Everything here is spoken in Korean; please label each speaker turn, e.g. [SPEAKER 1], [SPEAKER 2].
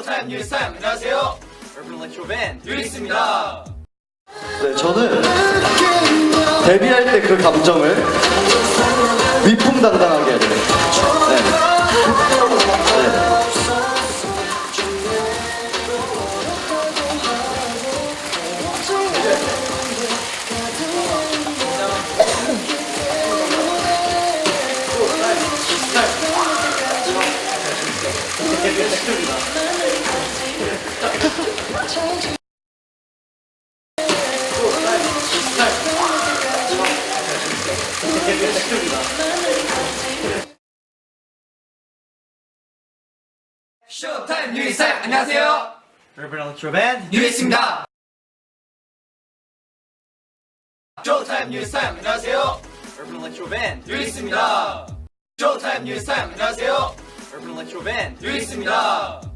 [SPEAKER 1] 쇼타임 뉴이스타임. 안녕하세요. Urban Electro Band 뉴이스입니다.
[SPEAKER 2] 네, 저는 데뷔할 때 그 감정을 위풍당당하게 해야 돼요. 네. 네.
[SPEAKER 1] 쇼타임 뉴이스타임. 안녕하세요.
[SPEAKER 3] Urban Electro Band
[SPEAKER 1] 뉴이스입니다. 쇼타임 뉴이스타임. 안녕하세요.
[SPEAKER 3] Urban Electro Band
[SPEAKER 1] 뉴이스입니다. 쇼타임 뉴이스타임. 안녕하세요.
[SPEAKER 3] Urban Electro Band
[SPEAKER 1] 뉴이스입니다.